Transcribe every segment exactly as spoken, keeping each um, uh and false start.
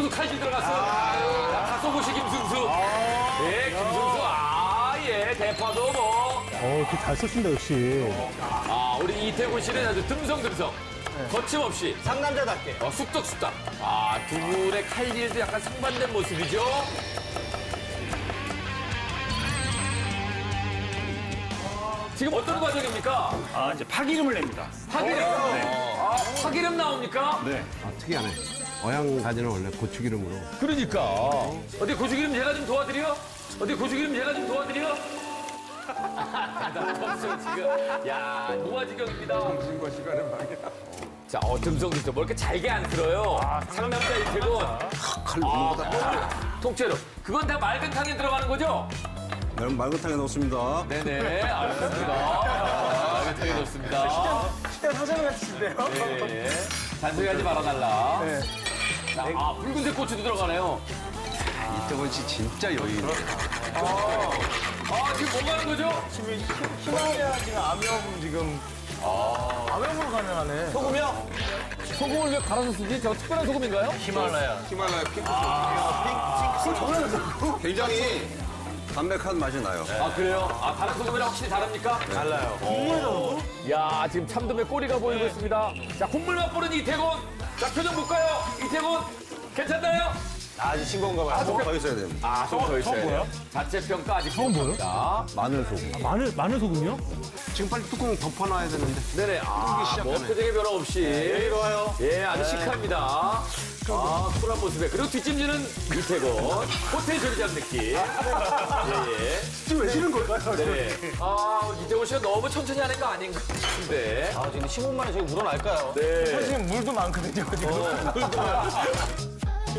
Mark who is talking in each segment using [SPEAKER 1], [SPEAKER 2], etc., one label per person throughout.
[SPEAKER 1] 김승수 칼질 들어갔어요. 자, 가소고시 김승수. 예, 김승수. 아, 예, 대파도 뭐.
[SPEAKER 2] 어, 이렇게 잘 쓰신다, 역시.
[SPEAKER 1] 아, 우리 이태곤 씨는 아주 듬성듬성. 거침없이.
[SPEAKER 3] 상남자답게.
[SPEAKER 1] 어, 쑥덕쑥덕. 아, 두 분의 칼질도 약간 상반된 모습이죠? 지금 어떤 과정입니까?
[SPEAKER 4] 아, 이제 파기름을 냅니다.
[SPEAKER 1] 파기름. 아, 파기름 나옵니까?
[SPEAKER 4] 네.
[SPEAKER 5] 아, 특이하네. 어양 가지는 원래 고추기름으로.
[SPEAKER 1] 그러니까. 어디 고추기름 제가 좀 도와드려? 어디 고추기름 제가 좀 도와드려? 대답 없어, 지금. 야, 노화지경입니다.
[SPEAKER 5] 정신과 시간은 방이야.
[SPEAKER 1] 자, 어, 듬성듬성. 뭐 이렇게 잘게 안 들어요. 상남자 이태곤.
[SPEAKER 5] 칼 넘어가다.
[SPEAKER 1] 통째로. 그건 다 맑은 탕에 들어가는 거죠?
[SPEAKER 5] 여러분 맑은탕에 넣습니다.
[SPEAKER 1] 네네, 알겠습니다. 맑은 탕에 넣습니다.
[SPEAKER 3] 식당 사장 같으신데요?
[SPEAKER 1] 네. 잔소리하지 말아달라. 자, 아, 붉은색 고추도 들어가네요.
[SPEAKER 5] 이태곤 씨 진짜 여유 있네.
[SPEAKER 1] 아, 지금 뭐 가는 거죠?
[SPEAKER 3] 지금 히- 히말라야 지금 암염 지금. 아. 암염으로 가능하네. 소금이요?
[SPEAKER 1] 소금을 왜 갈아서 쓰지? 저 특별한 소금인가요?
[SPEAKER 3] 히말라야.
[SPEAKER 5] 히말라야 핑크 핑크. 굉장히 담백한 맛이 나요.
[SPEAKER 1] 아, 그래요? 아, 다른 소금이랑 확실히 다릅니까?
[SPEAKER 3] 달라요.
[SPEAKER 1] 어. 야, 지금 참돔의 꼬리가 보이고 있습니다. 자, 국물 맛보는 이태곤. 자, 표정 볼까요? 이태곤, 괜찮나요?
[SPEAKER 3] 아주 싱거운가 봐요.
[SPEAKER 5] 조금 더 있어야 됩니다.
[SPEAKER 1] 아, 좀 더 있어야
[SPEAKER 2] 처음
[SPEAKER 1] 돼요. 자체 평가 아직 처음
[SPEAKER 2] 보여요?
[SPEAKER 5] 마늘 소금.
[SPEAKER 2] 마늘, 마늘 소금이요?
[SPEAKER 5] 지금 빨리 뚜껑 덮어놔야 되는데.
[SPEAKER 1] 네네. 아, 뭐 표정에 변화 없이.
[SPEAKER 3] 이리와요.
[SPEAKER 1] 예, 아주 시크합니다. 아, 쿨한 모습에. 그리고 뒷짐지는 이태곤. 호텔 조리장 느낌. 예, 예.
[SPEAKER 3] 지금 왜 지는 걸까요?
[SPEAKER 1] 네. 아, 이태곤 씨가 너무 천천히 하는 거 아닌가 싶은데.
[SPEAKER 3] 아, 지금 십오 만 원 저기 묻어날까요?
[SPEAKER 1] 네.
[SPEAKER 3] 지금 물도 많거든요, 지금. 물도 많아.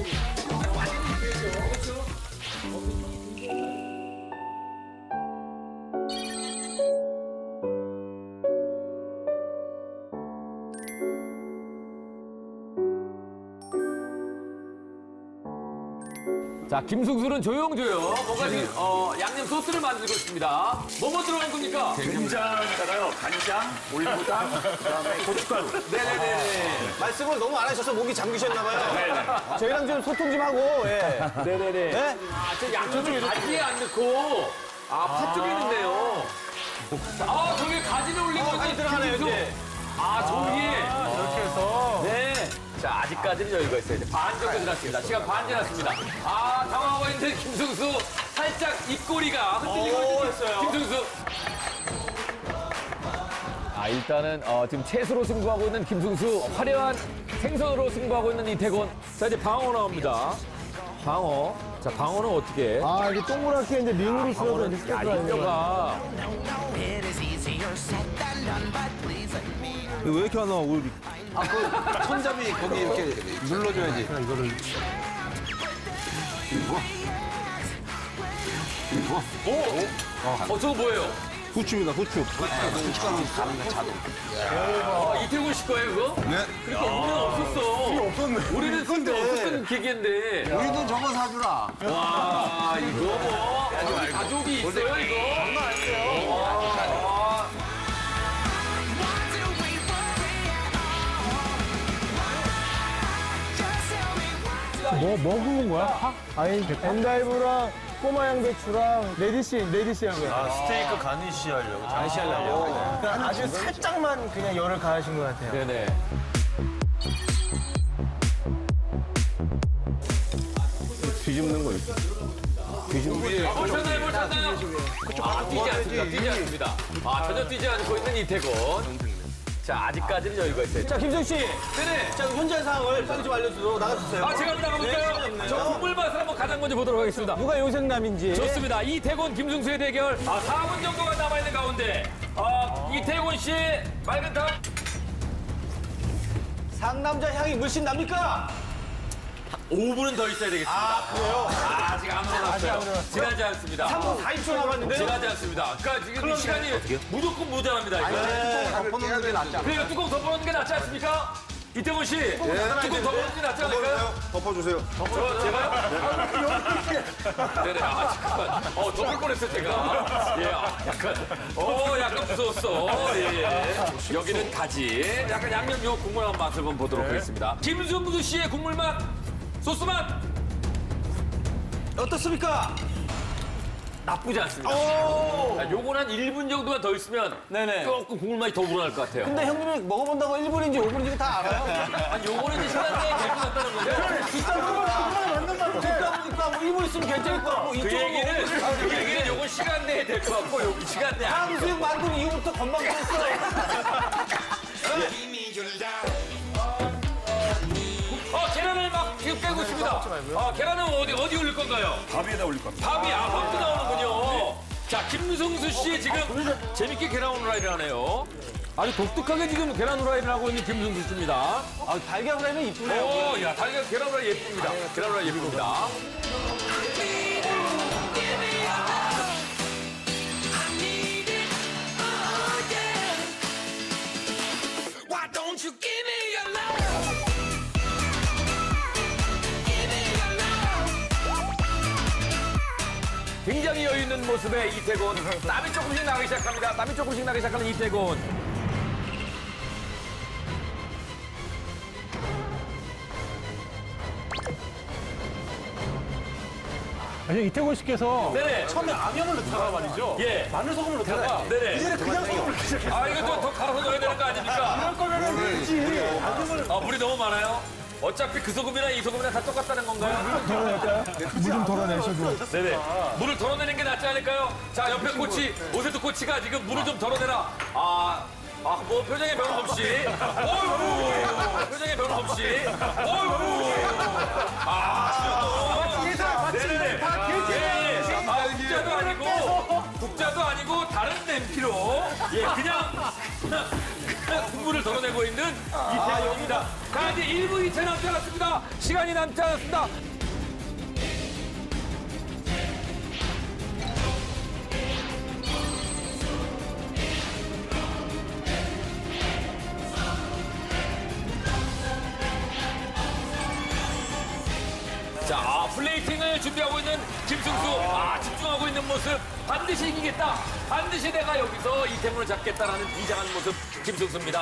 [SPEAKER 1] 자, 김승수는 조용조용 뭔가 지금 어, 양념 소스를 만들고 있습니다. 뭐뭐 들어간 겁니까?
[SPEAKER 4] 된장에다가요, 간장, 올리고당, 그다음에 고춧가루.
[SPEAKER 1] 네네네.
[SPEAKER 3] 말씀을 너무 안 하셔서 목이 잠기셨나봐요. 저희랑 좀 소통 좀 하고, 예.
[SPEAKER 1] 네네네.
[SPEAKER 3] 네?
[SPEAKER 1] 아, 저 양념을 가지에 안 넣고, 아, 파 쪽에 넣네요. 아, 저기 가지를 올린 거지.
[SPEAKER 3] 많이 들어가네요,
[SPEAKER 1] 김승수.
[SPEAKER 3] 이제.
[SPEAKER 1] 아, 저기에.
[SPEAKER 3] 이렇게 해서.
[SPEAKER 1] 네. 자, 아직까지는 여유가 있어요. 이제 반 정도 지났습니다. 시간 반 지났습니다. 아, 당황하고 있는 김승수. 살짝 입꼬리가 흔들리고
[SPEAKER 3] 오,
[SPEAKER 1] 있는
[SPEAKER 3] 했어요.
[SPEAKER 1] 김승수. 아, 일단은 어, 지금 채소로 승부하고 있는 김승수. 화려한 생선으로 승부하고 있는 이태곤. 자, 이제 방어 나옵니다. 방어. 자, 방어는 어떻게 해?
[SPEAKER 2] 아, 이게 동그랗게 이제 링으로 쓸어서 이렇게
[SPEAKER 1] 야, 이
[SPEAKER 2] 뜯어야
[SPEAKER 1] 뼈가.
[SPEAKER 5] 왜 이렇게 안 나와? 우리 아, 그 손잡이 거기 이렇게 눌러줘야지. 이거를.
[SPEAKER 1] 오! 어, 저거 뭐예요?
[SPEAKER 5] 후추입니다, 후추. 후춧가루 가는 자동.
[SPEAKER 1] 아, 이태곤 씨 거예요, 그거?
[SPEAKER 5] 네.
[SPEAKER 1] 그러니까 우리는 없었어.
[SPEAKER 5] 없었네.
[SPEAKER 1] 우리는 그때 없었던 기계인데.
[SPEAKER 5] 우리도 저거 사주라.
[SPEAKER 1] 와, 이거 뭐. 우리 가족이 있어요, 이거? 장난 아니에요. 와.
[SPEAKER 2] 뭐, 뭐 구운 거야? 파? 아니, 엔다이브랑 꼬마 양배추랑 레디시, 레디시 한 거야.
[SPEAKER 3] 아, 스테이크 가니쉬 하려고. 가니쉬 하려고. 아주 살짝만 그냥 열을 가하신 것 같아요.
[SPEAKER 1] 네네.
[SPEAKER 5] 뒤집는 거 있어. 뒤집는 거.
[SPEAKER 1] 아, 뭘 찾나요, 뭘 찾나요? 아, 뛰지 않습니다, 뛰지 않습니다. 아, 전혀 뛰지 않고 있는 이태곤. 자, 아직까지는 여유가 있어요.
[SPEAKER 3] 자, 김성 씨.
[SPEAKER 1] 네네.
[SPEAKER 3] 자, 현재 상황을 빨리 좀 알려주도록 나가주세요.
[SPEAKER 1] 아, 제가 한번 나가볼까요? 저 국물 맛을 한번 가장 먼저 보도록 하겠습니다.
[SPEAKER 3] 누가 요생남인지.
[SPEAKER 1] 좋습니다. 이태곤, 김승수의 대결. 아, 사 분 정도가 남아있는 가운데. 아, 이태곤 씨, 맑은탕.
[SPEAKER 3] 상남자 향이 물씬 납니까?
[SPEAKER 1] 오 분은 더 있어야 되겠습니다.
[SPEAKER 3] 아, 그래요?
[SPEAKER 1] 아, 아직 안 물어났어요. 지나지 않습니다.
[SPEAKER 3] 삼 분 사십 초 남았는데요?
[SPEAKER 1] 지나지 않습니다. 그러니까 지금 시간이 무조건 모자랍니다. 이거.
[SPEAKER 5] 덮어놓는 게 낫지 않아?
[SPEAKER 1] 그러니까 뚜껑 덮어놓는 게 낫지 않습니까? 이태곤 씨, 뚜껑 덮어놓는 게 낫지 않을까요?
[SPEAKER 5] 덮어주세요.
[SPEAKER 1] 저, 제가요? 네네, 아, 잠깐만. 어, 덮을 뻔했어요, 제가. 예, 아, 약간, 어, 약간 무서웠어. 예, 예. 여기는 가지. 약간 양념 요 국물 한 맛을 한번 보도록 하겠습니다. 김승수 씨의 국물 맛 소스만
[SPEAKER 3] 어떻습니까?
[SPEAKER 1] 나쁘지 않습니다. 자, 요건 한 일 분 정도만 더 있으면
[SPEAKER 3] 네네.
[SPEAKER 1] 조금 국물 맛이 더 우러날 것 같아요.
[SPEAKER 3] 근데 형님이 먹어본다고 일 분인지 오 분인지 다 알아요.
[SPEAKER 1] 아니, 요거는 이제 시간 내에 될 것 같다는 거죠.
[SPEAKER 3] 듣다 보니까 뭐 일 분 있으면 괜찮을 것 같고
[SPEAKER 1] 그
[SPEAKER 3] 이쪽은
[SPEAKER 1] 얘기는, 그 얘기는 요건 시간 내에 될 것 같고, 요 시간 내에 안
[SPEAKER 3] 탕수육 만든 이후부터 건방 졌어.
[SPEAKER 1] 어, 계란을 막 지금 빼고 있습니다. 아, 계란은 어디, 어디 올릴 건가요?
[SPEAKER 4] 밥에다 올릴 겁니다.
[SPEAKER 1] 밥이, 아, 밥도 나오는군요. 자, 김성수 씨 지금 재밌게 계란 후라이를 하네요. 아주 독특하게 지금 계란 후라이를 하고 있는 김성수 씨입니다.
[SPEAKER 3] 아, 달걀 후라이는 이쁘네요.
[SPEAKER 1] 오, 야, 달걀 계란 후라이 예쁩니다. 계란 후라이 예쁩니다.
[SPEAKER 6] Why don't you give me your love? Give me your love.
[SPEAKER 1] 굉장히 여유 있는 모습의 이태곤. 땀이 조금씩 나기 시작합니다. 땀이 조금씩 나기 시작하는 이태곤.
[SPEAKER 2] 아니, 이태곤 씨께서
[SPEAKER 1] 네네.
[SPEAKER 3] 처음에 암염을 넣다가 말이죠.
[SPEAKER 1] 예.
[SPEAKER 3] 마늘 소금을 넣다가
[SPEAKER 1] 네네.
[SPEAKER 3] 이제는 그냥 소금을 넣기 시작해요.
[SPEAKER 1] 아, 이거 또 더 갈아서 넣어야 되는 거 아닙니까?
[SPEAKER 3] 이럴 거면은 그렇지.
[SPEAKER 1] 아, 물이 너무 많아요. 어차피 그 소금이나 이 소금이나 다 똑같다는 건가요?
[SPEAKER 2] 물 좀 덜어내셔도.
[SPEAKER 1] 네네. 물을 덜어내는 게 낫지 않을까요? 자, 옆에 코치, 오세트 코치가 지금 물을 좀 덜어내라. 아, 아, 뭐 표정에 변화 없이. 어이구. 표정에 변화 없이. 어이구. 아, 네네네. 예, 예. 아, 국자도 아니고, 국자도 아니고, 다른 냄비로. 예, 그냥, 그냥, 그냥 국물을 덜어내고 있는 이태원입니다. 자, 이제 일 분 이 채 남지 않았습니다. 시간이 남지 않았습니다. 자, 아, 플레이팅을 준비하고 있는 김승수. 아, 집중하고 있는 모습. 반드시 이기겠다. 반드시 내가 여기서 이태문을 잡겠다라는 비장한 모습. 김승수입니다.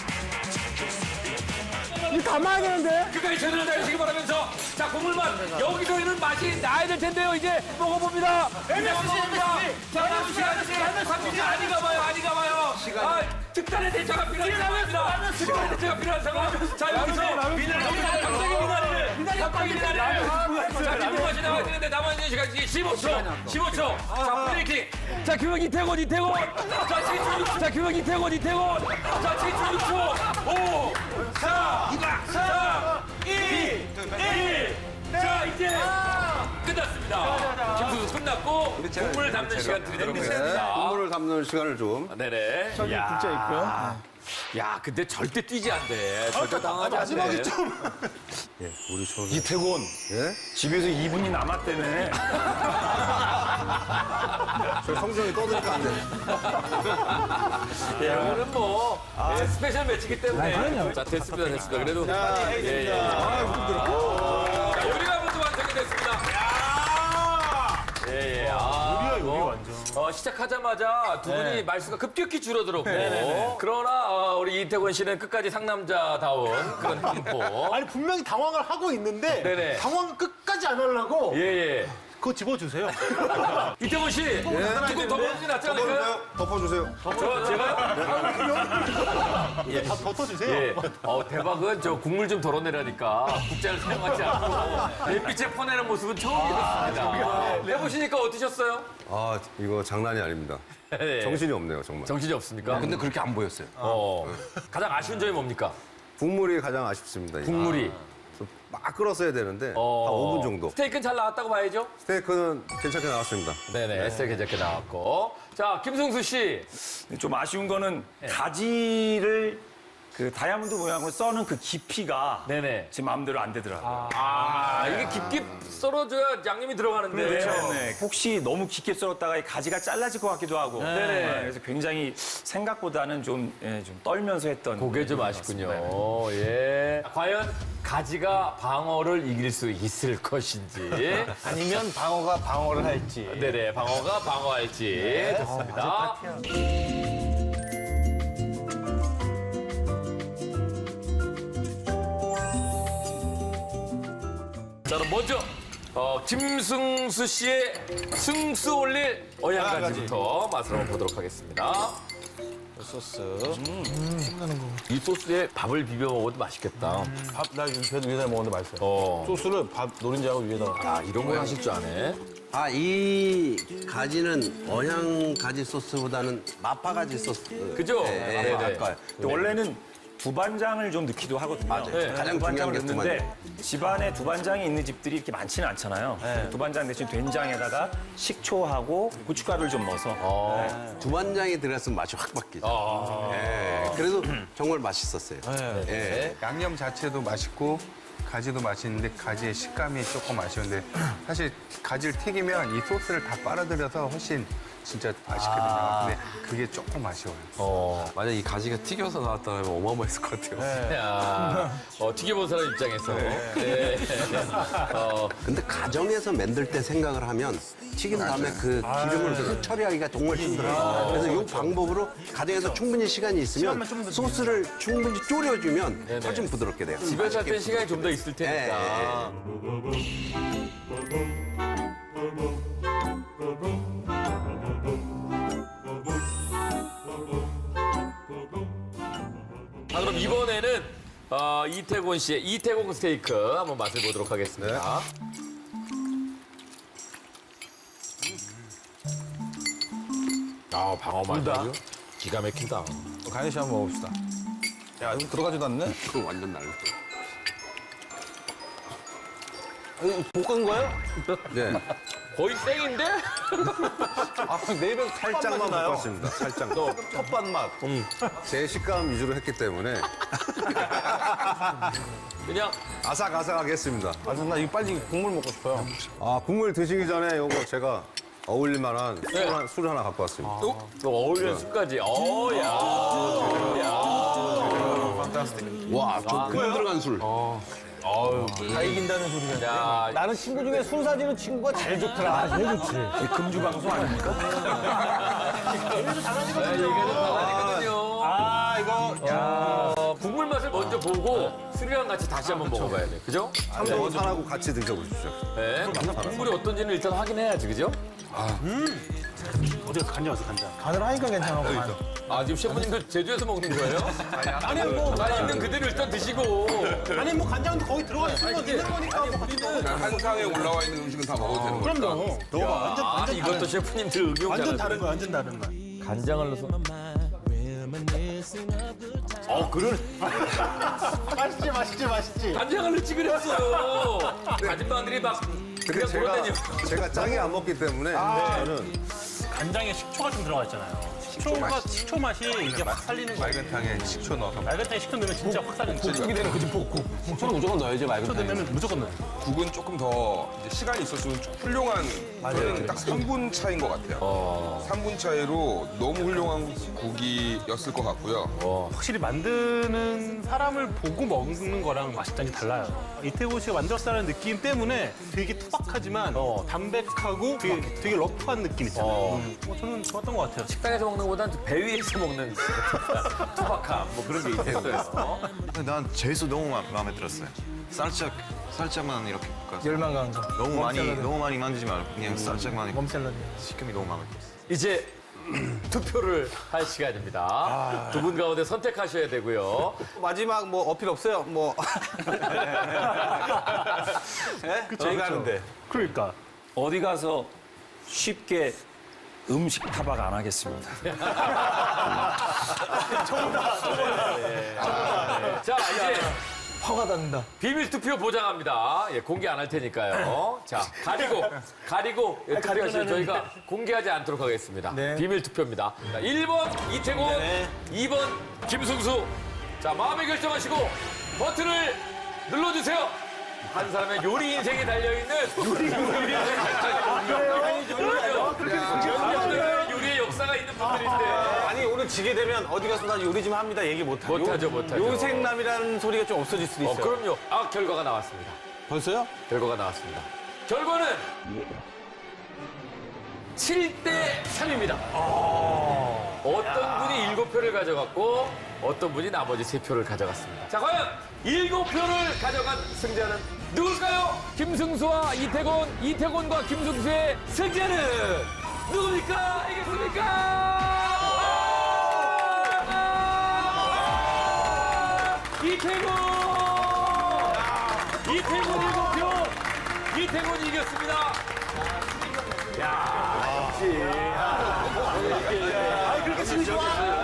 [SPEAKER 2] 이거 담아야 되는데?
[SPEAKER 1] 끝까지 최선을 다하시기 바라면서. 자, 국물만. 여기서는 맛이 나야 될 텐데요. 이제 먹어봅니다. 이제 먹어봅니다. 자, 남은 시간, 삼십 초 아니 가봐요. 아니 가봐요. 아, 특단의 대처가 필요한 상황입니다. 특단의 대처가 필요한 상황. 자, 여기서 미나리, 갑자기 미나리를. 갑자기 미나리를. 자, 기분 맛이 나와야 되는데 남아있는 시간 십오 초. 십오 초. 자, 플레이팅. 자, 규명 이태곤, 이태곤. 자, 칠 초 육 초. 자, 규명 이태곤, 이태곤. 자, 칠 초 육 초. 오, 사, 삼, 이, 일. 자, 이제 끝났습니다. 김수수 끝났고 국물을 담는 시간 드리도록 하겠습니다.
[SPEAKER 5] 국물을 담는 시간을 좀.
[SPEAKER 1] 네네.
[SPEAKER 2] 저기 국자 있고요.
[SPEAKER 1] 야, 근데 절대 뛰지 않대. 절대 당하지 않대.
[SPEAKER 3] 마지막에 좀.
[SPEAKER 5] 우리 저
[SPEAKER 4] 이태곤
[SPEAKER 5] 예?
[SPEAKER 4] 집에서 이 분이 남았다네.
[SPEAKER 5] 저 성정이 떠드니까 안 돼.
[SPEAKER 1] 예, 오늘은 뭐 예, 스페셜 매치기 때문에.
[SPEAKER 2] 그럼요.
[SPEAKER 1] 자, 됐습니다, 됐습니다. 그래도 예, 예. 자, 요리가 모두 완성이 됐습니다. 예, 예. 아, 뭐, 어, 시작하자마자 두 분이 말수가 급격히 줄어들었고. 그러나 어, 우리 이태곤 씨는 끝까지 상남자다운 그런 템포.
[SPEAKER 7] 아니 분명히 당황을 하고 있는데
[SPEAKER 1] 네네.
[SPEAKER 7] 당황 끝까지 안 하려고
[SPEAKER 1] 예, 예.
[SPEAKER 7] 그거 집어주세요.
[SPEAKER 1] 이태곤 씨, 조금 더 먹는 게 낫지 않을까요?
[SPEAKER 5] 덮어주세요.
[SPEAKER 1] 저, 제가요?
[SPEAKER 7] 다 덮어주세요.
[SPEAKER 1] 예. 어, 대박은 저 국물 좀 덜어내라니까 국자를 사용하지 않고 햇빛에 퍼내는 모습은 처음이었습니다. 해보시니까 어떠셨어요?
[SPEAKER 5] 아, 이거 장난이 아닙니다.
[SPEAKER 1] 예.
[SPEAKER 5] 정신이 없네요, 정말.
[SPEAKER 1] 정신이 없습니까?
[SPEAKER 5] 근데 그렇게 안 보였어요.
[SPEAKER 1] 어, 가장 아쉬운 점이 뭡니까?
[SPEAKER 5] 국물이 가장 아쉽습니다. 이거.
[SPEAKER 1] 국물이.
[SPEAKER 5] 막 끓었어야 되는데
[SPEAKER 1] 어.
[SPEAKER 5] 한 오 분 정도.
[SPEAKER 1] 스테이크는 잘 나왔다고 봐야죠?
[SPEAKER 5] 스테이크는 괜찮게 나왔습니다.
[SPEAKER 1] 네네, 스테이크 괜찮게 나왔고. 자, 김승수 씨.
[SPEAKER 4] 좀 아쉬운 거는 가지를 그 다이아몬드 모양으로 써는 그 깊이가
[SPEAKER 1] 네네.
[SPEAKER 4] 제 마음대로 안 되더라고요.
[SPEAKER 1] 아, 이게 깊게 썰어줘야 양념이 들어가는데.
[SPEAKER 4] 네, 네. 혹시 너무 깊게 썰었다가 이 가지가 잘라질 것 같기도 하고.
[SPEAKER 1] 네네.
[SPEAKER 4] 네, 그래서 굉장히 생각보다는 좀, 예, 좀 떨면서 했던.
[SPEAKER 1] 그게 좀 아쉽군요. 예. 과연 가지가 방어를 이길 수 있을 것인지.
[SPEAKER 3] 아니면 방어가 방어를 할지.
[SPEAKER 1] 네네, 방어가 방어할지. 좋습니다. 자, 그럼 먼저 어, 김승수 씨의 승수 올릴 어양가지부터 맛을 한번 보도록 하겠습니다.
[SPEAKER 3] 소스.
[SPEAKER 1] 이 소스에 밥을 비벼 먹어도 맛있겠다.
[SPEAKER 3] 밥, 나 그래도 위에다 먹었는데 맛있어요.
[SPEAKER 1] 어.
[SPEAKER 3] 소스를 밥 노른자하고 위에다가.
[SPEAKER 1] 아, 이런 거 하실 줄 아네.
[SPEAKER 5] 아, 이 가지는 어향 가지 소스보다는 마파 가지 소스.
[SPEAKER 1] 그죠?
[SPEAKER 5] 네,
[SPEAKER 1] 네네.
[SPEAKER 5] 아까
[SPEAKER 4] 근데 원래는 두반장을 좀 넣기도 하거든요.
[SPEAKER 5] 맞아요.
[SPEAKER 1] 네.
[SPEAKER 5] 가장 중요한 게
[SPEAKER 4] 넣는데 집안에 두반장이 있는 집들이 이렇게 많지는 않잖아요. 두반장 대신 된장에다가 식초하고 고춧가루를 좀 넣어서
[SPEAKER 5] 두반장이 들어갔으면 맛이 확 바뀌죠.
[SPEAKER 1] 아.
[SPEAKER 5] 예, 그래도 정말 맛있었어요. 예.
[SPEAKER 8] 양념 자체도 맛있고 가지도 맛있는데 가지의 식감이 조금 아쉬운데 사실 가지를 튀기면 이 소스를 다 빨아들여서 훨씬 진짜 맛있거든요. 근데 그게 조금 아쉬워요.
[SPEAKER 9] 만약 이 가지가 튀겨서 나왔다면 어마어마했을 것 같아요.
[SPEAKER 1] 야, 어, 튀겨본 사람 입장에서. 네. 어,
[SPEAKER 5] 근데 가정에서 만들 때 생각을 하면 튀긴 다음에 그 기름을 그 처리하기가 정말 힘들어요. 그래서 이 방법으로 가정에서 충분히 시간이 있으면 소스를 충분히 졸여주면 훨씬 부드럽게 돼요.
[SPEAKER 1] 집에서 할 땐 시간이 좀 더 있을 테니까. 자, 그럼 이번에는 어, 이태곤 씨의 이태곤 스테이크 한번 맛을 보도록 하겠습니다. 아, 방어 맛이 기가 막힌다.
[SPEAKER 3] 가연 씨 한번 먹읍시다. 야, 이거 들어가지도 않네?
[SPEAKER 5] 그거 완전 날라.
[SPEAKER 3] 볶은 거예요?
[SPEAKER 5] 네.
[SPEAKER 1] 거의 땡인데?
[SPEAKER 3] 아, 내 입에
[SPEAKER 10] 살짝만
[SPEAKER 3] 나요.
[SPEAKER 10] 볶았습니다. 살짝.
[SPEAKER 3] 텃밭 맛.
[SPEAKER 10] 제 식감 위주로 했기 때문에
[SPEAKER 1] 그냥
[SPEAKER 10] 아삭아삭하게 했습니다.
[SPEAKER 3] 아, 나 이거 빨리 국물 먹고 싶어요.
[SPEAKER 10] 아, 국물 드시기 전에 요거 제가 어울릴 만한 술,
[SPEAKER 1] 네.
[SPEAKER 10] 한- 술을 하나 갖고 왔습니다.
[SPEAKER 1] 또, 또 어울리는 술까지. 어, 야.
[SPEAKER 5] 와, 좀 금 들어간 술.
[SPEAKER 3] 다 이긴다는 소리가.
[SPEAKER 1] 야,
[SPEAKER 2] 나는 친구 중에 술 사주는 친구가 제일 좋더라. 아, 제일 좋지.
[SPEAKER 4] 금주 방송 아닙니까?
[SPEAKER 1] 아니거든요.
[SPEAKER 3] 아, 이거.
[SPEAKER 1] 어, 국물 맛을 먼저 보고 술이랑 같이 다시 한번 먹어봐야 돼. 그죠?
[SPEAKER 10] 삼도산하고 같이 드셔보십시오.
[SPEAKER 1] 네. 국물이 어떤지는 일단 확인해야지. 그죠?
[SPEAKER 7] 어디 가서 간장 왔어, 간장.
[SPEAKER 2] 간을 하니까 괜찮아.
[SPEAKER 1] 아, 지금 셰프님도 제주에서 먹는 거예요?
[SPEAKER 7] 아니, 뭐.
[SPEAKER 1] 아, 있는 그대로 일단 드시고.
[SPEAKER 7] 아니, 뭐 간장도 거기 들어가 있으면 있는 거니까 뭐 같이 먹어.
[SPEAKER 9] 한상에 올라와 있는 음식은 다 먹어도 되는 거예요.
[SPEAKER 7] 그럼요. 너가 완전,
[SPEAKER 1] 아,
[SPEAKER 7] 완전
[SPEAKER 1] 이것도
[SPEAKER 7] 다른,
[SPEAKER 1] 셰프님들 응용
[SPEAKER 7] 완전
[SPEAKER 1] 잘하시네.
[SPEAKER 7] 다른 거야, 완전 다른 거야.
[SPEAKER 1] 간장을 넣어서. 어, 그걸
[SPEAKER 7] 맛있지, 맛있지, 맛있지.
[SPEAKER 1] 간장을 넣지 그랬어요. 아줌마들이 막
[SPEAKER 10] 근데
[SPEAKER 1] 그냥
[SPEAKER 10] 제가,
[SPEAKER 1] 그러더니
[SPEAKER 10] 제가 짜게 안 먹기 때문에 저는
[SPEAKER 7] 간장에 식초가 좀 들어가 있잖아요. 식초가, 식초 맛이 이게 확 살리는 거야.
[SPEAKER 8] 맑은탕에 식초 넣어서
[SPEAKER 7] 맑은탕에 식초 넣으면 진짜 확 살리는 거야.
[SPEAKER 3] 볶기 되는 거지, 볶고. 식초는 무조건 넣어야지,
[SPEAKER 7] 식초
[SPEAKER 3] 맑은
[SPEAKER 7] 넣으면 무조건 넣어.
[SPEAKER 9] 국은 조금 더 이제 시간이 있었으면 좀 훌륭한 저는 딱 삼 분 차인 것 같아요. 삼 분 차이로 너무 훌륭한 국이었을 것 같고요.
[SPEAKER 7] 확실히 만드는 사람을 보고 먹는 거랑 맛있다는 게 달라요. 이태곤 씨가 만들었다는 느낌 때문에 되게 투박하지만 담백하고 되게, 되게 러프한 느낌 있잖아요.
[SPEAKER 1] 어.
[SPEAKER 7] 음. 어, 저는 좋았던 것 같아요.
[SPEAKER 1] 식당에서 먹는 것보다는 배 위에서 먹는 투박함 뭐 그런 게 있어요.
[SPEAKER 10] 난 제수 너무 마, 마음에 들었어요. 살짝 살짝만 이렇게 볶아서
[SPEAKER 2] 열만 가는 거.
[SPEAKER 10] 너무 많이 너무 많이 만들지 말고 그냥 살짝만
[SPEAKER 2] 멈 샐러드.
[SPEAKER 10] 식감이 너무 마음에 들었어요.
[SPEAKER 1] 이제 투표를 할 시간입니다. 두 분 가운데 선택하셔야 되고요.
[SPEAKER 3] 마지막 뭐 어필 없어요? 뭐. 예? 저희가 하는데.
[SPEAKER 7] 그러니까.
[SPEAKER 4] 어디 가서 쉽게 음식 타박 안 하겠습니다.
[SPEAKER 1] 자, 이제
[SPEAKER 2] 화가 난다.
[SPEAKER 1] 비밀 투표 보장합니다. 예, 공개 안 할 테니까요. 자, 가리고, 가리고 예, 투표하시면 저희가 공개하지 않도록 하겠습니다.
[SPEAKER 2] 네.
[SPEAKER 1] 비밀 투표입니다. 자, 일 번 이태곤, 이 번 김승수. 자, 마음의 결정하시고 버튼을 눌러주세요. 한 사람의 요리 인생이 달려있는 요리 인생이 달려있는 요리의 역사가 있는 분들인데
[SPEAKER 3] 아니, 오늘 지게 되면 어디 가서 나 요리 좀 합니다. 얘기 못하고.
[SPEAKER 1] 못하죠, 못하죠.
[SPEAKER 3] 요생남이라는 소리가 좀 없어질 수도
[SPEAKER 1] 어,
[SPEAKER 3] 있어요.
[SPEAKER 1] 그럼요. 아, 결과가 나왔습니다.
[SPEAKER 3] 벌써요?
[SPEAKER 1] 결과가 나왔습니다. 결과는 칠 대 삼입니다. 어떤 분이 일곱 표를 가져갔고 어떤 분이 나머지 세 표를 가져갔습니다. 자, 과연 일곱 표를 가져간 승자는 누굴까요? 김승수와 이태곤, 이태곤과 김승수의 승자는 누굽니까? 이겠습니까? 아! 이태곤! 이태곤 일곱 표! 이태곤이 이겼습니다. 야, 역시. 아, 그렇게 쓰기 좋아.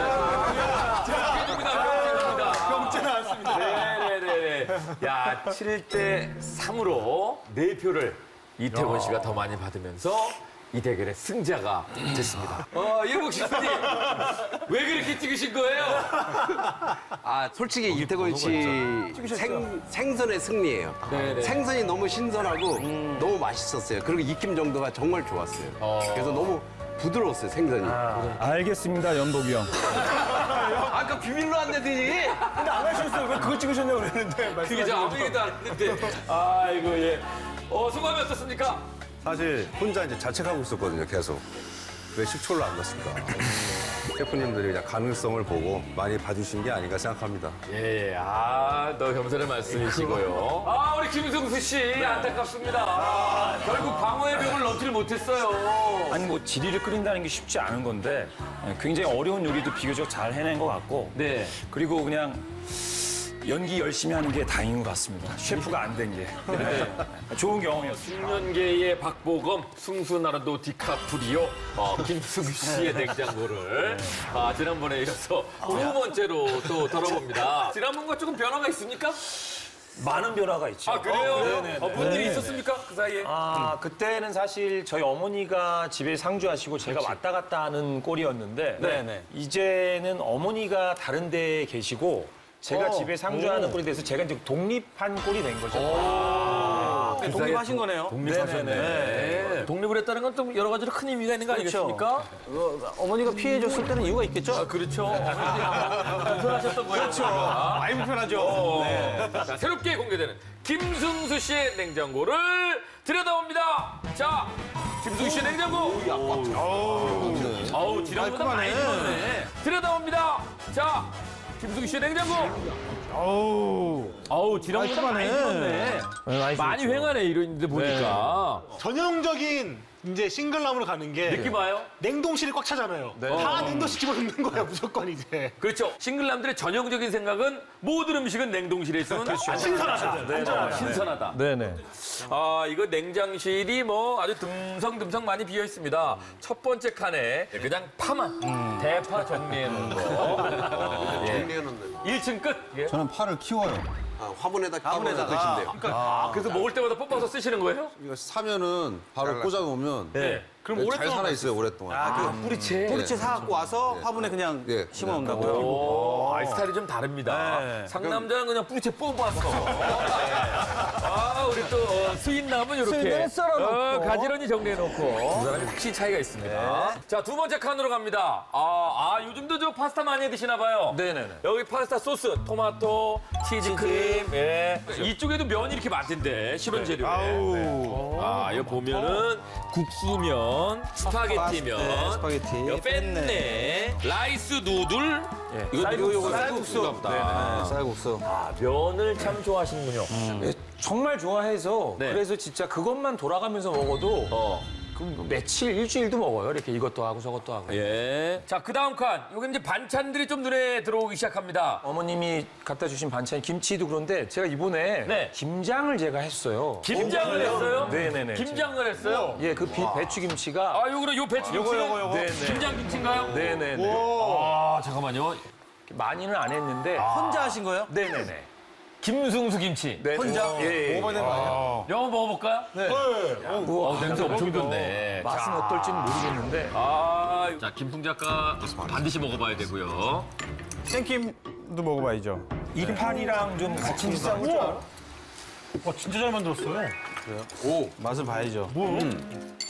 [SPEAKER 1] 병재 나왔습니다. 네네네. 야, 칠 대 삼으로 네 표를 이태곤 씨가 더 많이 받으면서 이 대결의 승자가 됐습니다. 어, 이영국 씨님, 왜 그렇게 찍으신 거예요?
[SPEAKER 5] 아, 솔직히 이태곤 씨 생, 생선의 승리예요.
[SPEAKER 1] 네네.
[SPEAKER 5] 생선이 너무 신선하고 너무 맛있었어요. 그리고 익힘 정도가 정말 좋았어요. 그래서 너무 부드러웠어요, 생선이.
[SPEAKER 3] 알겠습니다, 연복이 형.
[SPEAKER 5] 아까 비밀로 안 되더니.
[SPEAKER 3] 근데 안 하셨어요. 왜 그거 찍으셨냐고 그랬는데.
[SPEAKER 1] 그게 저 아무 얘기도 안 했는데. 아이고, 예. 어, 소감이 어떻습니까?
[SPEAKER 11] 사실 혼자 이제 자책하고 있었거든요, 계속. 왜 식초를 안 넣었을까? 셰프님들이 그냥 가능성을 보고 많이 봐주신 게 아닌가 생각합니다.
[SPEAKER 1] 예, 아, 너 겸손의 말씀이시고요. 아, 우리 김승수 씨, 안타깝습니다. 아, 결국 방어의 벽을 넘지를 못했어요.
[SPEAKER 4] 아니 뭐 지리를 끓인다는 게 쉽지 않은 건데 굉장히 어려운 요리도 비교적 잘 해낸 것 같고
[SPEAKER 1] 네.
[SPEAKER 4] 그리고 그냥 연기 열심히 하는 게 다행인 것 같습니다. 셰프가 안 된 게. 네. 좋은 경험이었어요.
[SPEAKER 1] 중년계의 박보검, 승수나라도 디카프리오, 어, 김승수 씨의 냉장고를 아, 지난번에 이어서 두 번째로 또 다뤄봅니다. 지난번과 조금 변화가 있습니까?
[SPEAKER 4] 많은 변화가 있죠.
[SPEAKER 1] 아, 그래요?
[SPEAKER 4] 네네네.
[SPEAKER 1] 어, 뭔 일이 있었습니까? 그 사이에?
[SPEAKER 4] 아, 그때는 사실 저희 어머니가 집에 상주하시고 제가 왔다 갔다 하는 꼴이었는데
[SPEAKER 1] 네네.
[SPEAKER 4] 이제는 어머니가 다른 데에 계시고 제가 집에 상주하는 꼴이 돼서 제가 이제 독립한 꼴이 된 거죠.
[SPEAKER 1] 그
[SPEAKER 3] 독립하신 거네요.
[SPEAKER 1] 독립하셨네. 네. 독립을 했다는 건 좀 여러 가지로 큰 의미가 있는 거 아니겠습니까?
[SPEAKER 3] 어머니가 피해줬을 때는 이유가 있겠죠?
[SPEAKER 1] 아, 그렇죠. 불편하셨던 거예요. 그렇죠.
[SPEAKER 3] 많이 불편하죠.
[SPEAKER 1] 네. 자, 새롭게 공개되는 김승수 씨의 냉장고를 들여다봅니다. 자, 김승수 씨의 냉장고. 어우, 지난보다 많이 늘었네. 들여다봅니다. 자, 김승수 씨의 냉장고.
[SPEAKER 2] 어우.
[SPEAKER 1] 어우, 지난보다 많이 늘었네.
[SPEAKER 2] 많이
[SPEAKER 1] 많이 횡하네, 이런데 보니까.
[SPEAKER 7] 전형적인 이제 싱글남으로 가는 게
[SPEAKER 1] 느낌 와요?
[SPEAKER 7] 냉동실이 꽉 차잖아요. 다 냉동실 집어넣는 거야 무조건 이제.
[SPEAKER 1] 그렇죠. 싱글남들의 전형적인 생각은 모든 음식은 냉동실에 있으면 신선하다. 네, 네. 신선하다.
[SPEAKER 2] 네네.
[SPEAKER 1] 아, 이거 냉장실이 뭐 아주 듬성듬성 많이 비어 있습니다. 첫 번째 칸에 그냥 파만 대파 정리해 놓은 거. 어, 예.
[SPEAKER 5] 정리해놓는.
[SPEAKER 1] 일 층 끝. 예.
[SPEAKER 11] 저는 파를 키워요.
[SPEAKER 5] 아, 화분에다 화분에다 드신대요.
[SPEAKER 1] 아, 그래서 먹을 때마다 뽑아서 쓰시는 거예요?
[SPEAKER 11] 이거 사면은 바로 꽂아놓으면
[SPEAKER 1] 네.
[SPEAKER 11] 그럼 잘 살아 있어요, 오랫동안.
[SPEAKER 3] 아, 그 뿌리채. 뿌리채 사갖고 와서 화분에 그냥
[SPEAKER 11] 네.
[SPEAKER 3] 심어 놓는다고요?
[SPEAKER 1] 오, 아, 스타일이 좀 다릅니다.
[SPEAKER 3] 네.
[SPEAKER 1] 상남자는 그냥 뿌리채 뽑아서. 아, 우리 또 어, 수인남은 이렇게
[SPEAKER 2] 수인은 썰어놓고.
[SPEAKER 1] 어, 가지런히 정리해놓고 두 사람이 확실히 차이가 있습니다. 자, 두 번째 칸으로 갑니다. 아, 아, 요즘도 저 파스타 많이 드시나 봐요.
[SPEAKER 4] 네네네.
[SPEAKER 1] 여기 파스타 소스, 토마토, 치즈크림, 예. 이쪽에도 면이 이렇게 많던데, 실온 재료에. 네. 아, 이거 보면은 국수면, 스파게티면,
[SPEAKER 3] 네, 스파게티,
[SPEAKER 1] 요 펜네, 라이스 누들. 예. 이거 쌀국수. 쌀국수.
[SPEAKER 3] 네, 쌀국수.
[SPEAKER 1] 아, 면을 참 좋아하시는군요.
[SPEAKER 4] 네, 정말 좋아해서
[SPEAKER 1] 네.
[SPEAKER 4] 그래서 진짜 그것만 돌아가면서 먹어도
[SPEAKER 1] 어.
[SPEAKER 4] 그 며칠, 일주일도 먹어요. 이렇게 이것도 하고 저것도 하고.
[SPEAKER 1] 예. 자, 그 다음 칸. 여기 이제 반찬들이 좀 눈에 들어오기 시작합니다.
[SPEAKER 4] 어머님이 갖다 주신 반찬 김치도 그런데 제가 이번에
[SPEAKER 1] 네.
[SPEAKER 4] 김장을 제가 했어요.
[SPEAKER 1] 김장을 했어요?
[SPEAKER 4] 네네네.
[SPEAKER 1] 김장을 했어요?
[SPEAKER 4] 예, 그 비- 배추김치가
[SPEAKER 1] 아, 요거는 요 배추 김치.
[SPEAKER 4] 요거, 요거, 요거. 네네.
[SPEAKER 1] 김장김치인가요?
[SPEAKER 4] 네네네.
[SPEAKER 1] 아, 잠깐만요.
[SPEAKER 4] 많이는 안 했는데
[SPEAKER 3] 혼자 하신 거예요?
[SPEAKER 4] 네네네.
[SPEAKER 1] 김승수 김치.
[SPEAKER 4] 네. 혼자? 예, 예.
[SPEAKER 3] 먹어봐야 되는 거 아니에요?
[SPEAKER 1] 영어 먹어볼까요? 네. 어, 냄새 엄청 좋네.
[SPEAKER 4] 맛은 어떨지는 모르겠는데
[SPEAKER 1] 아, 자, 김풍 작가 반드시 먹어봐야 되고요.
[SPEAKER 2] 생김도 먹어봐야죠.
[SPEAKER 4] 이파리랑 좀 같이 싸고
[SPEAKER 7] 와 진짜 잘 만들었어요.
[SPEAKER 2] 맛을 봐야죠.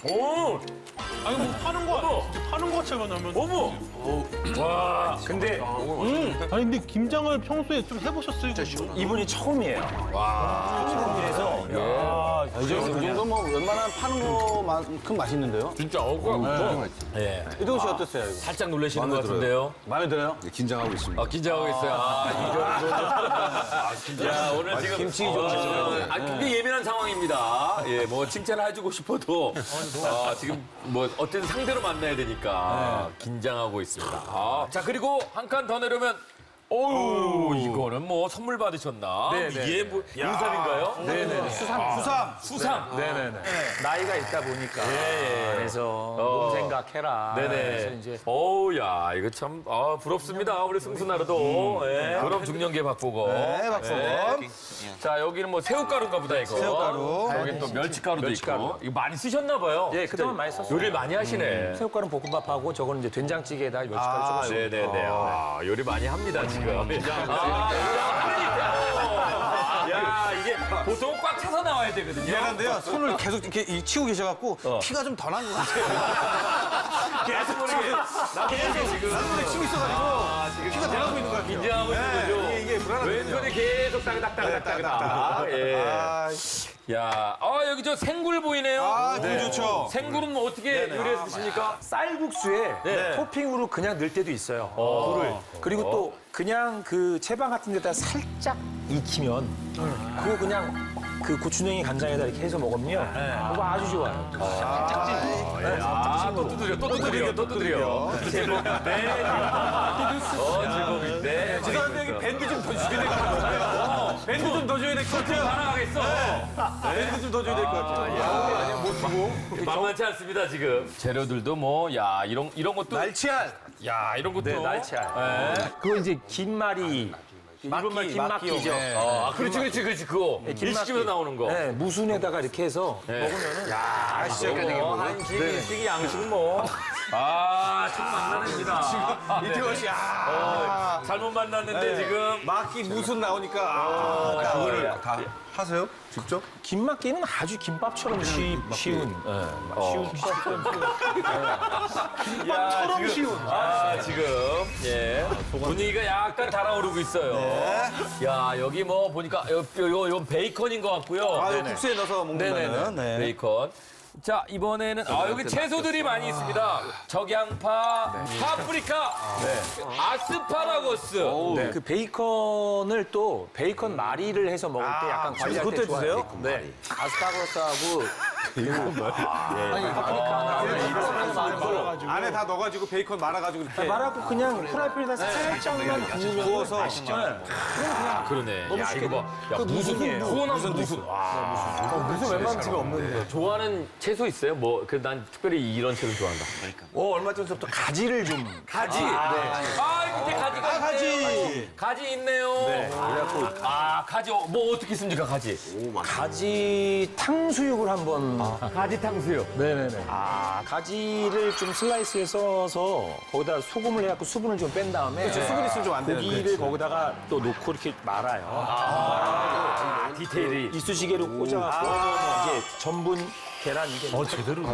[SPEAKER 1] 오,
[SPEAKER 7] 아니 뭐 파는 거 아니야? 파는 거 같지만 하면.
[SPEAKER 1] 어머. 와,
[SPEAKER 4] 근데
[SPEAKER 7] 아니 근데 김장을 평소에 좀 해보셨어요?
[SPEAKER 4] 이분이 처음이에요. 처음이라서
[SPEAKER 3] 이 정도 뭐 웬만한 파는 거만큼 맛있는데요?
[SPEAKER 1] 진짜 어고.
[SPEAKER 3] 예. 이동훈 씨 어땠어요, 이거?
[SPEAKER 1] 살짝 놀라시는 것
[SPEAKER 11] 마음에
[SPEAKER 1] 같은데요.
[SPEAKER 3] 마음에 들어요?
[SPEAKER 11] 네, 긴장하고 있습니다.
[SPEAKER 1] 아, 긴장하고 있어요. 아, 이 정도. 야, 오늘 지금.
[SPEAKER 3] 김치 좀
[SPEAKER 1] 어, 아, 굉장히 예민한 상황입니다. 예, 뭐, 칭찬을 해주고 싶어도, 아, 지금 뭐, 어떤 상대로 만나야 되니까, 긴장하고 있습니다. 아, 자, 그리고 한 칸 더 내려면, 어우, 이거는 뭐, 선물 받으셨나? 이게 뭐, 인삼인가요?
[SPEAKER 4] 네네네. 수삼. 수삼.
[SPEAKER 1] 수삼.
[SPEAKER 4] 네네네. 나이가 있다 보니까
[SPEAKER 1] 예.
[SPEAKER 4] 그래서
[SPEAKER 1] 어.
[SPEAKER 4] 몸 생각해라. 그래서
[SPEAKER 1] 네네.
[SPEAKER 4] 이제
[SPEAKER 1] 어우, 야, 이거 참, 아, 부럽습니다. 우리 승수나루도. 예. 그럼 중년계 박보고. 네,
[SPEAKER 3] 박보검.
[SPEAKER 1] 자, 여기는 뭐 새우가루인가 보다, 이거.
[SPEAKER 3] 새우가루.
[SPEAKER 1] 여기 또 멸치가루도
[SPEAKER 4] 멸치가루.
[SPEAKER 1] 있고. 이거 많이 쓰셨나 봐요.
[SPEAKER 4] 예, 그동안 많이 썼어요.
[SPEAKER 1] 요리를 많이 하시네.
[SPEAKER 4] 새우가루 볶음밥하고 저거는 이제 된장찌개에다 멸치가루
[SPEAKER 1] 아,
[SPEAKER 4] 조금씩.
[SPEAKER 1] 네네네. 아, 요리 많이 합니다, 지금. 아, 야, 이게 보통 꽉 차서 나와야 되거든요.
[SPEAKER 3] 미안한데요. 손을 계속 이렇게 이- 치고 계셔갖고 피가 좀 더 난 것 같아요.
[SPEAKER 1] 계속 모르게. 계속 지금.
[SPEAKER 3] 손에 치고 있어가지고 피가 더 나고 있는 것 같아요.
[SPEAKER 1] 긴장하고 있는 거죠.
[SPEAKER 3] 이게, 이게 불안하거든요.
[SPEAKER 1] 왼손이 계속 따그닥따그닥따그닥. 예. 야, 아, 여기 저 생굴 보이네요.
[SPEAKER 3] 아, 굴 좋죠.
[SPEAKER 1] 생굴은 뭐 어떻게 요리해서 드십니까?
[SPEAKER 4] 쌀국수에
[SPEAKER 1] 네.
[SPEAKER 4] 토핑으로 그냥 넣을 때도 있어요. 굴을. 그리고 또 그냥 그 채반 같은 데다 살짝 익히면 그거 그냥 그 고추냉이 간장에다 이렇게 해서 먹으면 그거 아주 좋아요.
[SPEAKER 1] 아, 또 두드려, 또 두드려, 또 두드려. 제목, 네. 어, 제목인데.
[SPEAKER 3] 죄송한데 여기 밴드 좀 더 주셔야 될 것 같아요. 밴드 좀 더 줘야 될 것 같아요.
[SPEAKER 1] 하나 가겠어.
[SPEAKER 3] 밴드 좀 더 줘야 될 것 같아요.
[SPEAKER 1] 만만치 않습니다, 지금. 재료들도 뭐, 야, 이런, 이런 것도.
[SPEAKER 3] 날치알.
[SPEAKER 1] 야, 이런 것도.
[SPEAKER 4] 네, 날치알.
[SPEAKER 1] 네.
[SPEAKER 4] 그거 이제 김말이 일본말 김막기죠.
[SPEAKER 3] 네.
[SPEAKER 1] 아, 그렇지, 그렇지, 그렇지, 그거. 일식집에서 나오는 거.
[SPEAKER 4] 네, 무순에다가 이렇게 해서 먹으면은
[SPEAKER 1] 야, 시작까지 뭐, 한식, 일식, 양식 뭐. 아, 참 만나냅니다.
[SPEAKER 3] 이태원 씨, 아.
[SPEAKER 1] 어, 잘못 만났는데 지금.
[SPEAKER 3] 막기 무슨 나오니까. 아, 나
[SPEAKER 11] 그거를 다 하세요? 직접?
[SPEAKER 4] 김막기는 아주 김밥처럼 쉬, 쉬운. 네, 쉬운 김밥처럼 쉬운.
[SPEAKER 1] 김밥처럼 쉬운. 아, 지금. 예. 분위기가 약간 달아오르고 있어요. 야, 여기 뭐 보니까 요, 요, 요 베이컨인 것 같고요.
[SPEAKER 3] 아, 이거 국수에 넣어서 먹는 거는. 네.
[SPEAKER 1] 베이컨. 자, 이번에는 아, 여기 채소들이 많이 있습니다. 적양파, 파프리카, 아스파라거스.
[SPEAKER 4] 네. 그 베이컨을 또 베이컨 마리를 해서 먹을 때 약간 관리할 때
[SPEAKER 3] 그것도
[SPEAKER 4] 좋아요.
[SPEAKER 3] 해주세요?
[SPEAKER 4] 네. 아스파라거스하고 파프리카
[SPEAKER 3] 안에 다 넣어가지고 베이컨 말아가지고 이렇게.
[SPEAKER 4] 말하고 그냥 프라이팬에다 살짝만 구워서
[SPEAKER 1] 아, 그러네. 야, 이거 봐. 야, 무슨 후원한 무슨. 와.
[SPEAKER 3] 무슨 웬만한 집에 없는데.
[SPEAKER 1] 좋아하는 채소 있어요? 뭐, 그 난 특별히 이런 채소 좋아한다.
[SPEAKER 4] 어, 얼마 전부터 가지를 좀
[SPEAKER 1] 가지. 아, 이 밑에 가지가
[SPEAKER 3] 아, 가지.
[SPEAKER 1] 있네요. 가지 있네요. 아, 가지 어, 뭐 어떻게 씁니까, 가지?
[SPEAKER 4] 가지 탕수육을 한번
[SPEAKER 1] 가지 탕수육.
[SPEAKER 4] 네네네. 아, 가지를 좀 슬라이스해서 써서 거기다 소금을 해갖고 수분을 좀 뺀 다음에
[SPEAKER 3] 그렇죠. 수분 있으면 좀 안 되는데.
[SPEAKER 4] 고기를 거기다가 또 놓고 이렇게 말아요.
[SPEAKER 1] 아, 디테일이.
[SPEAKER 4] 이쑤시개로 꽂아갖고 이제 전분, 계란 이게 어, 제대로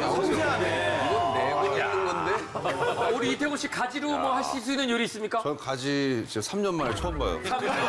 [SPEAKER 1] 아, 우리 이태곤 씨 가지로 뭐 하실 수 있는 요리 있습니까?
[SPEAKER 11] 전 가지 진짜 삼 년 만에 처음 봐요.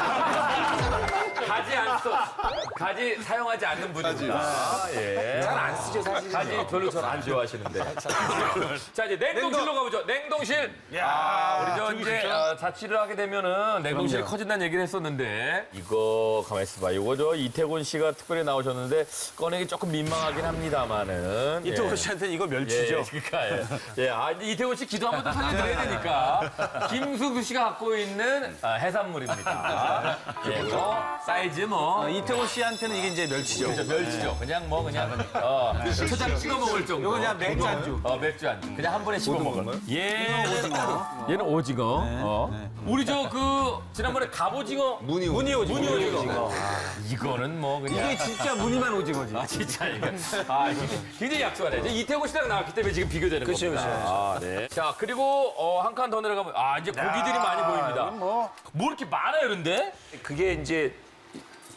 [SPEAKER 1] 가지 안 써. 가지 사용하지 않는 분입니다. 예.
[SPEAKER 4] 잘 안 쓰죠, 사실.
[SPEAKER 1] 가지 별로 잘 안 좋아하시는데. 자, 이제 냉동실로 가보죠. 냉동실. 야, 우리 저 이제 어, 자취를 하게 되면은 냉동실이 커진다는 얘기를 했었는데 이거 가만 있어봐. 이거 저 이태곤 씨가 특별히 나오셨는데 꺼내기 조금 민망하긴 합니다만은.
[SPEAKER 3] 이태원
[SPEAKER 1] 예.
[SPEAKER 3] 씨한테는 이거
[SPEAKER 1] 예,
[SPEAKER 3] 멸치죠.
[SPEAKER 1] 그러니까 예. 예, 아, 이제 이태곤 씨 기도 한번 더 살려드려야 되니까. 김숙수 씨가 갖고 있는 아, 해산물입니다. 예, 뭐 사이즈 뭐.
[SPEAKER 3] 이태원 씨한테는 이게 이제 멸치죠.
[SPEAKER 1] 그렇죠, 멸치죠. 그냥 뭐 그냥 어, 초장 찍어 먹을 정도.
[SPEAKER 3] 이거 그냥 맥주 안주.
[SPEAKER 1] 어, 맥주 안주. 그냥 한 번에 씹어 먹을. 얘는 오징어. 얘는 오징어. 어. 우리 저 그 지난번에 갑오징어.
[SPEAKER 11] 무늬
[SPEAKER 3] 무늬 오징어.
[SPEAKER 1] 무늬 오징어. 아, 이거는 뭐 그냥.
[SPEAKER 3] 이게 진짜 무늬만 오징어지.
[SPEAKER 1] 아 진짜 이거. 아 이게 굉장히 약소하네. 이제 이태곤 씨랑 나왔기 때문에 지금 비교되는
[SPEAKER 3] 그렇죠,
[SPEAKER 1] 겁니다.
[SPEAKER 3] 그렇죠.
[SPEAKER 1] 아, 네. 자 그리고 어, 한 칸 더 내려가면 아 이제 고기들이 많이 보입니다.
[SPEAKER 3] 뭐.
[SPEAKER 1] 뭐 이렇게 많아요, 그런데?
[SPEAKER 4] 그게 이제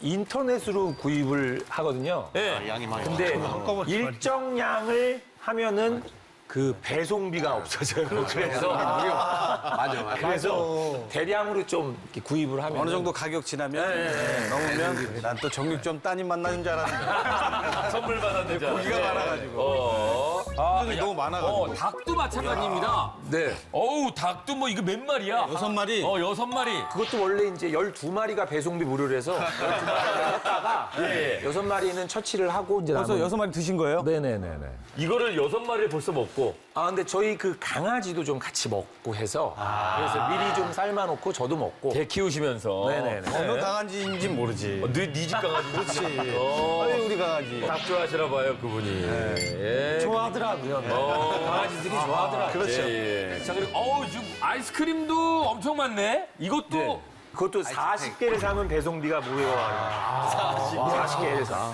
[SPEAKER 4] 인터넷으로 구입을 하거든요.
[SPEAKER 1] 네.
[SPEAKER 10] 양이 많이
[SPEAKER 4] 근데 일정 양을 하면은 그 배송비가 없어져요. 그래서
[SPEAKER 5] 맞아, 맞아.
[SPEAKER 4] 그래서 대량으로 좀 이렇게 구입을 하면
[SPEAKER 3] 어느 정도 가격 지나면 네, 넘으면 난 또 정육점 따님 만나는 줄 알았는데
[SPEAKER 1] 선물 받았는데.
[SPEAKER 3] 고기가 많아가지고.
[SPEAKER 1] 어. 아,
[SPEAKER 3] 이 너무 많아가지고.
[SPEAKER 1] 어, 닭도 마찬가지입니다.
[SPEAKER 4] 네.
[SPEAKER 1] 어우, 닭도 뭐 이거 몇 마리야?
[SPEAKER 3] 여섯 마리.
[SPEAKER 1] 어, 여섯 마리.
[SPEAKER 4] 그것도 원래 이제 열두 마리가 배송비 무료로 해서 열두 마리를 했다가
[SPEAKER 1] 예.
[SPEAKER 4] 여섯 마리는 처치를 하고 이제
[SPEAKER 3] 벌써
[SPEAKER 4] 남은-
[SPEAKER 3] 여섯 마리 드신 거예요?
[SPEAKER 4] 네네네네.
[SPEAKER 1] 이거를 여섯 마리를 벌써 먹고.
[SPEAKER 4] 아 근데 저희 그 강아지도 좀 같이 먹고 해서 그래서 미리 좀 삶아놓고 저도 먹고.
[SPEAKER 1] 개 키우시면서.
[SPEAKER 4] 네네네.
[SPEAKER 3] 어느 강아지인지 모르지.
[SPEAKER 1] 어, 네집 강아지.
[SPEAKER 3] 그렇지.
[SPEAKER 1] 어.
[SPEAKER 3] 아유, 우리 강아지.
[SPEAKER 1] 닭 좋아하시나 봐요, 그분이. 예.
[SPEAKER 4] 좋아하더라고요.
[SPEAKER 1] 어.
[SPEAKER 4] 강아지들이 좋아하더라고요.
[SPEAKER 3] 그렇죠.
[SPEAKER 1] 예, 예. 자, 그리고 어우, 지금 아이스크림도 엄청 많네. 이것도
[SPEAKER 4] 그것도 사십 개를 사면 배송비가 무료예요. 사십 개를 사.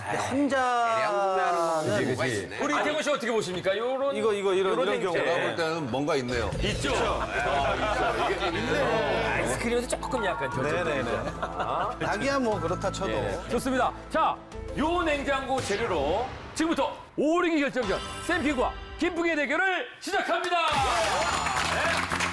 [SPEAKER 3] 혼자는
[SPEAKER 5] 뭐가 있네.
[SPEAKER 1] 우리 이태곤 씨 어떻게 보십니까? 요런
[SPEAKER 3] 이거 이거 이런 이런
[SPEAKER 1] 요런
[SPEAKER 3] 경우
[SPEAKER 1] 행태.
[SPEAKER 5] 볼 때는 뭔가 있네요.
[SPEAKER 1] 있죠. 아이스크림에서 조금 약간
[SPEAKER 3] 네네네. 닭이야 뭐 그렇다 쳐도.
[SPEAKER 1] 예. 좋습니다. 자, 요 냉장고 재료로 지금부터 오르기 결정전 샘피과 김풍의 대결을 시작합니다.